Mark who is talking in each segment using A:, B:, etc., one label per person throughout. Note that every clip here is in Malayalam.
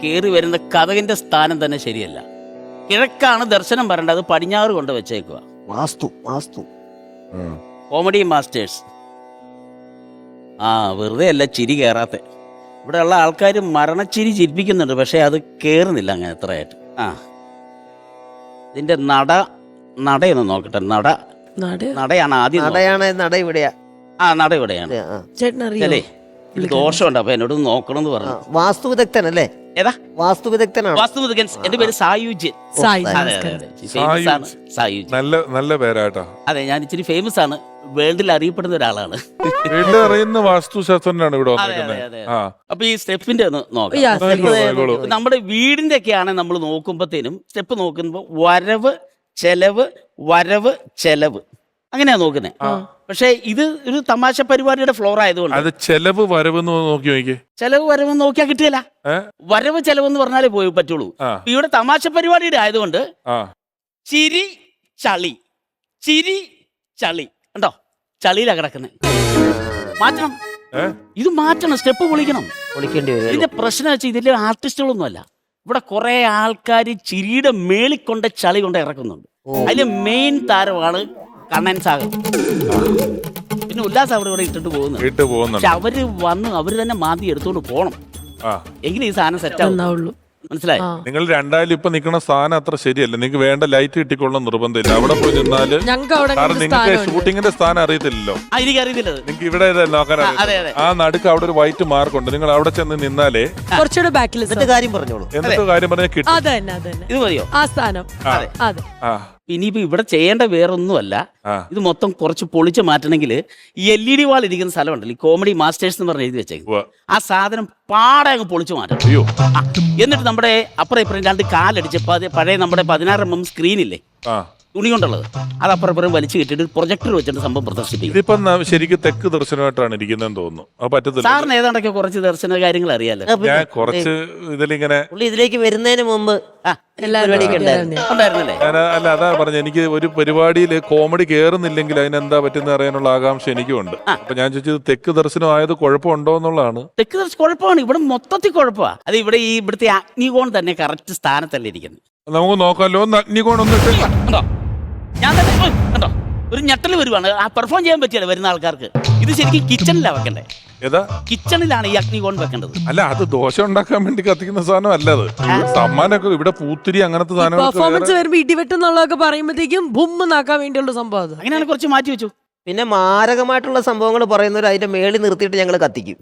A: കയറി വരുന്ന കതകിന്റെ സ്ഥാനം തന്നെ ശരിയല്ല. കിഴക്കാണ് ദർശനം പറയേണ്ടത്, അത് പടിഞ്ഞാറ് കൊണ്ട് വെച്ചേക്കുക.
B: Vastu
A: comedy masters. വെറുതെ അല്ല ചിരി കയറാത്ത. ഇവിടെ ഉള്ള ആൾക്കാർ മരണച്ചിരി ചിരിപ്പിക്കുന്നുണ്ട്, പക്ഷെ അത് കയറുന്നില്ല അങ്ങനെ എത്രയായിട്ട്. ഇതിന്റെ നടയൊന്ന് നോക്കട്ടെ. നടയാണ് ആദ്യം.
B: നട ഇവിടെയാ.
A: നട ഇവിടെയാണ്. അല്ലേ ദോഷമുണ്ട്, അപ്പൊ എന്നോട് നോക്കണം എന്ന് പറഞ്ഞു.
B: വാസ്തു വിദഗ്ധനല്ലേ?
A: ഏതാ
B: വാസ്തു വിദഗ്ധനാണ്.
A: വാസ്തു വിദഗ്ധൻ. എന്റെ പേര് സായുജ്യൻ.
C: നല്ല പേരാട്ടോ.
A: അതെ, ഞാൻ ഇച്ചിരി ഫേമസ് ആണ്, വേൾഡിൽ അറിയപ്പെടുന്ന ഒരാളാണ്.
C: അറിയുന്ന വാസ്തുശാസ്ത്രജ്ഞനാണ് ഇവിടെ വന്നിരിക്കുന്നത്.
A: അപ്പൊ ഈ സ്റ്റെപ്പിന്റെ ഒന്ന് നോക്കാം. നമ്മുടെ വീടിന്റെ ഒക്കെയാണ് നമ്മൾ നോക്കുമ്പോഴത്തേനും സ്റ്റെപ്പ് നോക്കുമ്പോ വരവ് ചെലവ് അങ്ങനെയാ നോക്കുന്നത്. പക്ഷെ ഇത് ഒരു തമാശ പരിപാടിയുടെ ഫ്ലോർ ആയതുകൊണ്ട്
C: അത് ചെലവ് വരവെന്ന് നോക്കി
A: ചെലവ് വരവെന്ന് നോക്കിയാൽ കിട്ടിയല്ല. വരവ് ചെലവെന്ന് പറഞ്ഞാലേ പോയി പറ്റുള്ളൂ. ഇവിടെ തമാശ പരിപാടിയുടെ ആയതുകൊണ്ട് ചിരി ചളി ഉണ്ടോ, ചളിയിലാ കിടക്കുന്നത്. മാറ്റണം, ഇത് മാറ്റണം, സ്റ്റെപ്പ് പൊളിക്കേണ്ടി വരും. ഇതിന്റെ പ്രശ്നം വെച്ചാൽ ഇതിലെ ആർട്ടിസ്റ്റുകളൊന്നും അല്ല. ഇവിടെ കുറെ ആൾക്കാർ ചിരിയുടെ മേളിക്കൊണ്ട് ചളി കൊണ്ട് ഇറക്കുന്നുണ്ട്. അതിലെ മെയിൻ താരമാണ് കണ്ണൻ സാഗർ. പിന്നെ ഉല്ലാസ് അവിടെ ഇവിടെ ഇട്ടിട്ട് പോകുന്നു. പക്ഷെ അവര് തന്നെ മാന്തി എടുത്തോണ്ട് പോണം, എങ്കിലും ഈ സാധനം സെറ്റ് ആവുള്ളൂ. മനസ്സിലായി?
C: നിങ്ങൾ രണ്ടായാലും ഇപ്പൊ നിൽക്കുന്ന സ്ഥാനം അത്ര ശരിയല്ല. നിങ്ങൾക്ക് വേണ്ട ലൈറ്റ് കിട്ടിക്കൊള്ളണം നിർബന്ധമില്ല. അവിടെ പോയി നിന്നാല് നിങ്ങൾക്ക് ഷൂട്ടിങ്ങിന്റെ സ്ഥാനം അറിയത്തില്ലല്ലോ.
A: എനിക്കറിയത്തില്ല.
C: നിങ്ങൾക്ക് ഇവിടെ നോക്കാൻ ആ നടുക്ക് അവിടെ ഒരു വൈറ്റ് മാർക്ക് ഉണ്ട്. നിങ്ങൾ അവിടെ ചെന്ന് നിന്നാലേ
D: കുറച്ചുകൂടെ ബാക്കിൽ
B: കാര്യം പറഞ്ഞോളൂ.
C: എന്നിട്ട് കാര്യം പറഞ്ഞാൽ കിട്ടും.
A: ഇത് മതിയോ
D: ആ സ്ഥാനം?
A: ഇനിയിപ്പോ ഇവിടെ ചെയ്യേണ്ട വേറൊന്നുമല്ല. ഇത് മൊത്തം കുറച്ച് പൊളിച്ച് മാറ്റണമെങ്കിൽ ഈ LED വാൾ ഇരിക്കുന്ന സ്ഥലം ഉണ്ടല്ലോ, ഈ കോമഡി മാസ്റ്റേഴ്സ് എന്ന് പറഞ്ഞ് എഴുതി വെച്ചേക്കും. ആ സാധനം പാടെ അങ്ങ് പൊളിച്ചു മാറ്റണം. എന്നിട്ട് നമ്മുടെ അപ്പുറം ഇപ്പുറം 2 കാലടിച്ച് പഴയ നമ്മുടെ 16mm സ്ക്രീനില്ലേ, തുണി കൊണ്ടുള്ളത്, അത് അപ്പുറം വലിച്ചു കിട്ടിയിട്ട് പ്രൊജക്ടർ വെച്ചിട്ട് സംഭവം പ്രദർശിപ്പിക്കും.
C: ഇതിപ്പോ ശരിക്കും തെക്ക് ദർശനമായിട്ടാണ് ഇരിക്കുന്നതെന്ന് തോന്നുന്നു. അത് പറ്റത്തില്ല.
A: സാറിന് ഏതാണ്ടൊക്കെ കുറച്ച് ദർശന കാര്യങ്ങൾ അറിയാലോ.
C: ഞാൻ കുറച്ച്
B: ഇതിലേക്ക് വരുന്നതിന് മുമ്പ്
A: ഉണ്ടായിരുന്നല്ലേ?
C: അല്ല, അതാ പറഞ്ഞ എനിക്ക് ഒരു പരിപാടിയിൽ കോമഡി കേറുന്നില്ലെങ്കിൽ അതിനെന്താ പറ്റുന്ന അറിയാനുള്ള ആകാംക്ഷ എനിക്കുണ്ട്. അപ്പൊ ഞാൻ ചോദിച്ചത് തെക്ക് ദർശനം ആയത് കുഴപ്പമുണ്ടോ എന്നുള്ളതാണ്.
A: തെക്ക് ദർശനം കുഴപ്പമാണ്, ഇവിടെ മൊത്തത്തിൽ കുഴപ്പമാണ്. അത് ഇവിടെ ഇവിടുത്തെ അഗ്നികോൺ തന്നെ കറക്റ്റ് സ്ഥാനത്തല്ലേ ഇരിക്കുന്നത്.
C: നമുക്ക് നോക്കാമല്ലോ. അഗ്നികോൺ ഒന്നും
A: ഞാൻ തന്നെ കണ്ടോ ഒരു ഞെട്ടൽ വരുവാണ്. ആ പെർഫോം ചെയ്യാൻ പറ്റിയല്ലോ വരുന്ന ആൾക്കാർക്ക്. ഇത് ശരിക്കും കിച്ചണിലാണ് വെക്കണ്ടേ. കിച്ചണിലാണ് ഈ അഗ്നികോൺ വെക്കേണ്ടത്.
C: അല്ല, അത് ദോശ ഉണ്ടാക്കാൻ വേണ്ടി കത്തിക്കുന്ന സാധനം അല്ല. അത് സമ്മാനമൊക്കെ ഇവിടെ പൂത്തിരി അങ്ങനത്തെ സാധനങ്ങൾ
D: പെർഫോമൻസ് വരുമ്പോ ഇടിവെട്ടെന്നുള്ളതൊക്കെ പറയുമ്പോഴത്തേക്കും ബുമ്മെന്നാക്കാൻ വേണ്ടിയുള്ള സംഭവം.
A: അങ്ങനെയാണ് കുറച്ച് മാറ്റി വെച്ചു.
B: പിന്നെ മാരകമായിട്ടുള്ള സംഭവങ്ങൾ പറയുന്നവർ അതിന്റെ മേളിൽ നിർത്തിയിട്ട് ഞങ്ങൾ കത്തിക്കും.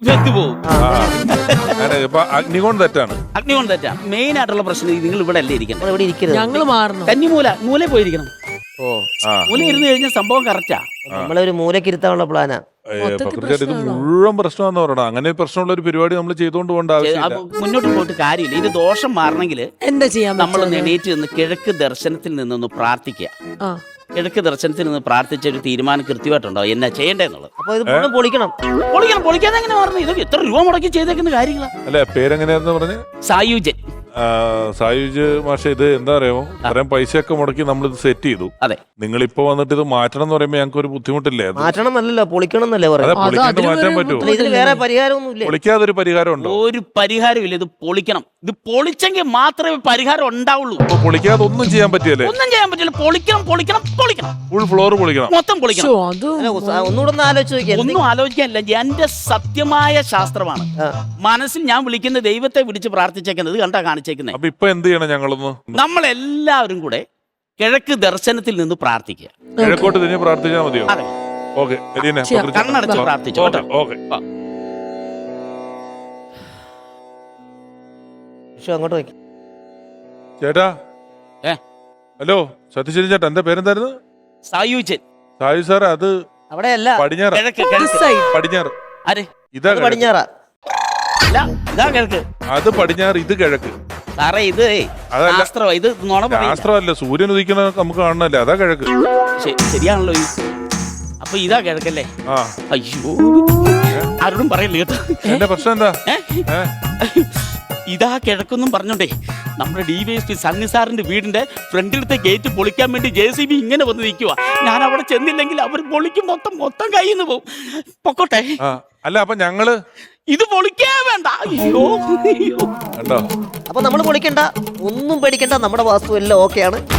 C: അഗ്നികോൺ തെറ്റാണ്.
A: അഗ്നികോൺ തെറ്റാണ്. മെയിൻ ആയിട്ടുള്ള പ്രശ്നം നിങ്ങൾ ഇവിടെ അല്ലേ ഇരിക്കണം.
D: ഇവിടെ ഇരിക്കുന്നത് ഞങ്ങൾ മാറണം.
A: മൂല പോയിരിക്കണം. മൂല ഇരുന്ന് കഴിഞ്ഞാൽ സംഭവം കറക്റ്റാ.
B: നമ്മളൊരു മൂലക്കിരുത്താനുള്ള പ്ലാനാ.
C: ഇത് മുഴുവൻ പ്രശ്നമാണെന്ന് പറയണം. അങ്ങനെ പ്രശ്നമുള്ള ഒരു പരിപാടി നമ്മൾ ചെയ്തുകൊണ്ട് പോകേണ്ട ആവശ്യമില്ല.
A: മുന്നോട്ട് പോയിട്ട് കാര്യമില്ല. ഇത് ദോഷം മാറണമെങ്കിൽ
D: എന്താ ചെയ്യാൻ? നമ്മൾ
A: എണീറ്റ് നിന്ന് കിഴക്ക് ദർശനത്തിൽ നിന്നൊന്ന് പ്രാർത്ഥിക്കുക. കിഴക്ക് ദർശനത്തിൽ നിന്ന് പ്രാർത്ഥിച്ച ഒരു തീരുമാനം കൃത്യമായിട്ടുണ്ടോ എന്നാ ചെയ്യേണ്ടതെന്നുള്ളത്.
B: അപ്പൊ ഇത്
A: പൊളിക്കാതെ എങ്ങനെ മാറുന്നു? ഇത് എത്ര രൂപ മുടക്കി ചെയ്തേക്കുന്ന കാര്യങ്ങളാ.
C: അല്ലെ, പേരെങ്ങനെയായിരുന്നു പറഞ്ഞ്?
A: സായുജൻ.
C: സായുജ് മാഷെ, ഇത് എന്താ അറിയാമോ, അത്രയും പൈസയൊക്കെ മുടക്കി നമ്മളിത് സെറ്റ് ചെയ്തു.
A: അതെ,
C: നിങ്ങളിപ്പോ വന്നിട്ട് ഇത് മാറ്റണം എന്ന് പറയുമ്പോ ഞങ്ങൾക്ക് ഒരു ബുദ്ധിമുട്ടില്ലേ?
B: മാറ്റണം എന്നല്ലോ, പൊളിക്കണം എന്നല്ലേ പറയുന്നത്.
C: മാറ്റാൻ പറ്റുമോ?
B: ഇതിന് വേറെ പരിഹാരമൊന്നുമില്ല.
C: പൊളിക്കാതൊരു പരിഹാരം ഉണ്ടോ?
A: ഒരു പരിഹാരമില്ല. ഇത് പൊളിക്കണം. ഇത് പൊളിച്ചെങ്കിൽ മാത്രമേ പരിഹാരം ഉണ്ടാവുള്ളൂ.
C: പൊളിക്കാതെ ഒന്നും ചെയ്യാൻ പറ്റിയല്ലേ?
A: ഒന്നും ചെയ്യാൻ പറ്റില്ല. പൊളിക്കണം.
C: ഫുൾ ഫ്ലോർ പൊളിക്കണം,
A: മൊത്തം പൊളിക്കണം.
B: ഒന്നുകൂടെ ആലോചിച്ച്
A: ഒന്നും ആലോചിക്കാനില്ല. എന്റെ സത്യമായ ശാസ്ത്രമാണ്. മനസ്സിൽ ഞാൻ വിളിക്കുന്ന ദൈവത്തെ വിളിച്ച് പ്രാർത്ഥിച്ചേക്കുന്നത് കണ്ടാ കാണിച്ചേക്കുന്നത്.
C: അപ്പൊ ഇപ്പൊ എന്ത് ചെയ്യണം?
A: നമ്മളെല്ലാവരും കൂടെ കിഴക്ക് ദർശനത്തിൽ നിന്ന് പ്രാർത്ഥിക്കുക.
C: കിഴക്കോട്ട് തിരിഞ്ഞ് പ്രാർത്ഥിച്ചാൽ മതിയോ? ഓക്കെ,
A: കണ്ണടച്ച് പ്രാർത്ഥിച്ചു.
B: അങ്ങോട്ട് വയ്ക്കും
C: ചേട്ടാ. ഹലോ, സത്യശീലൻ ചേട്ടാ, എന്റെ പേരെന്തായിരുന്നു?
A: സായുജൻ.
C: സായു സാർ, അത്
B: അവിടെയല്ല,
C: പടിഞ്ഞാറ്. പടിഞ്ഞാറ്. ഇതാ
B: പടിഞ്ഞാറാ.
C: അത് പടിഞ്ഞാറ്, ഇത് കിഴക്ക്.
A: സാറേ, ഇത്
C: ശാസ്ത്രമല്ല, സൂര്യൻ ഉദിക്കണ നമുക്ക് കാണണല്ലേ, അതാ കിഴക്ക്.
A: ശരിയാണല്ലോ. അപ്പൊ ഇതാ കിഴക്കല്ലേ? അയ്യോ, ആരോടും പറയല്ലേ കേട്ടോ.
C: എന്റെ പ്രശ്നം എന്താ?
A: ഇതാ കിഴക്കൊന്നും പറഞ്ഞോണ്ടേ നമ്മുടെ DYSP സണ്ണി സാറിന്റെ വീടിന്റെ ഫ്രണ്ടിലത്തെ ഗേറ്റ് പൊളിക്കാൻ വേണ്ടി JCB ഇങ്ങനെ വന്ന് നിൽക്കുക. ഞാൻ അവിടെ ചെന്നില്ലെങ്കിൽ അവർ പൊളിക്കും, മൊത്തം കയ്യിൽ നിന്ന് പോകും. പൊക്കോട്ടെ.
C: അല്ല, അപ്പൊ ഞങ്ങള്
A: ഇത് പൊളിക്കേ വേണ്ട. അയ്യോ
C: കണ്ടോ?
B: അപ്പൊ നമ്മൾ പൊളിക്കണ്ട, ഒന്നും പേടിക്കണ്ട, നമ്മുടെ വാസ്തു എല്ലാം ഓക്കെയാണ്.